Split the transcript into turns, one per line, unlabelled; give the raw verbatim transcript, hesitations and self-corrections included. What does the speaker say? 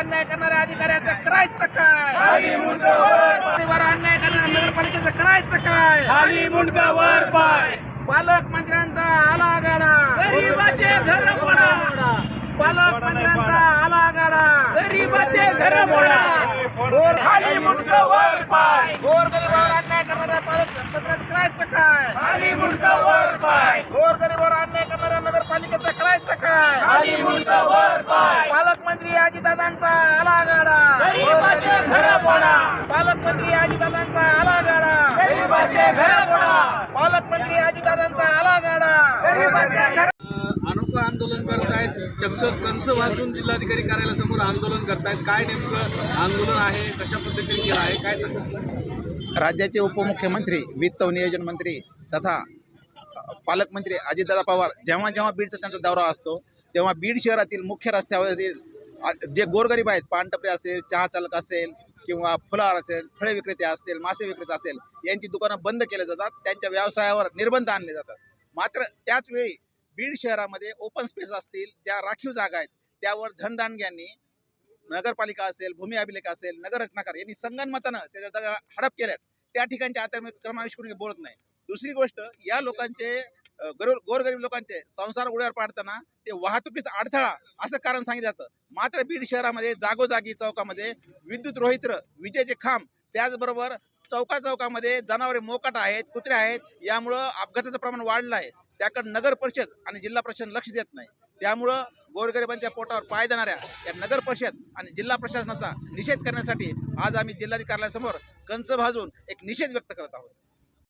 अन्याय करणाऱ्या अधिकाऱ्याचं करायचं काय?
खाली मुंडका वर पाय,
गरिबावर अन्याय करणाऱ्या नगरपालिकेचं करायचं काय?
खाली मुंडका वर पाय,
पालकमंत्र्यांचा आलागाडा,
गरीबाचे घर मोडा,
पालकमंत्र्यांचा आलागाडा,
गरीबाचे घर मोडा,
गोर
खाली मुंडका वर पाय,
गोरगरिबावर अन्याय करणाऱ्या पालकमंत्र्याचं करायचं काय?
खाली मुंडका वर पाय,
गोरगरिबावर अन्याय करणाऱ्या नगरपालिकेचं करायचं काय?
खाली मुंडका वर पाय,
पालकमंत्री अजितदादांचा आलागाडा,
गरीबाचे घर मोडा,
पालकमंत्री अजितदादांचा आलागाडा,
गरीबाचे घर मोडा,
पालकमंत्री अजितदादांचा आलागाडा.
गरीबाचे घर
अनोखं आंदोलन करत आहेत. चक्क कंस वाजून जिल्हाधिकारी कार्यालयासमोर आंदोलन करतायत. काय नेमकं आंदोलन आहे, कशा पद्धतीने केलं आहे, काय सांगा?
राज्याचे उपमुख्यमंत्री, वित्त व नियोजन मंत्री तथा पालकमंत्री अजितदादा पवार जेव्हा जेव्हा बीडचा त्यांचा दौरा असतो तेव्हा बीड शहरातील मुख्य रस्त्यावरील जे गोरगरीब आहेत, पानटपरे असेल, चहा चालक असेल किंवा फुलार असेल, फळे विक्रेते असतील, मासे विक्रेते असेल, यांची दुकानं बंद केले जातात. त्यांच्या व्यवसायावर निर्बंध आणले जातात. मात्र त्याच वेळी बीड शहरामध्ये ओपन स्पेस असतील, ज्या राखीव जागा आहेत, त्यावर धनदानग्यांनी नगरपालिका असेल, भूमी अभिलेख असेल, नगर रचनाकार यांनी संगनमतानं त्याच्या जागा हडप केल्यात. त्या ठिकाणच्या अतिक्रमणाविषयी कोणी बोलत नाही. दुसरी गोष्ट, या लोकांचे गरीब गोरगरीब लोकांचे संसार उड्यावर पाडताना ते वाहतुकीचा अडथळा असं कारण सांगितलं जातं. मात्र बीड शहरामध्ये जागोजागी चौकामध्ये विद्युत रोहित्र, विजेचे खांब, त्याचबरोबर चौका चौकामध्ये जनावरे मोकाट आहेत, कुत्रे आहेत. यामुळं अपघाताचं प्रमाण वाढलं आहे. त्याकडे नगर परिषद आणि जिल्हा परिषद लक्ष देत नाही. त्यामुळं गोरगरिबांच्या पोटावर पाय देणाऱ्या या नगर परिषद आणि जिल्हा प्रशासनाचा निषेध करण्यासाठी आज आम्ही जिल्हाधिकारी कार्यालयासमोर कंस भाजून एक निषेध व्यक्त करत आहोत.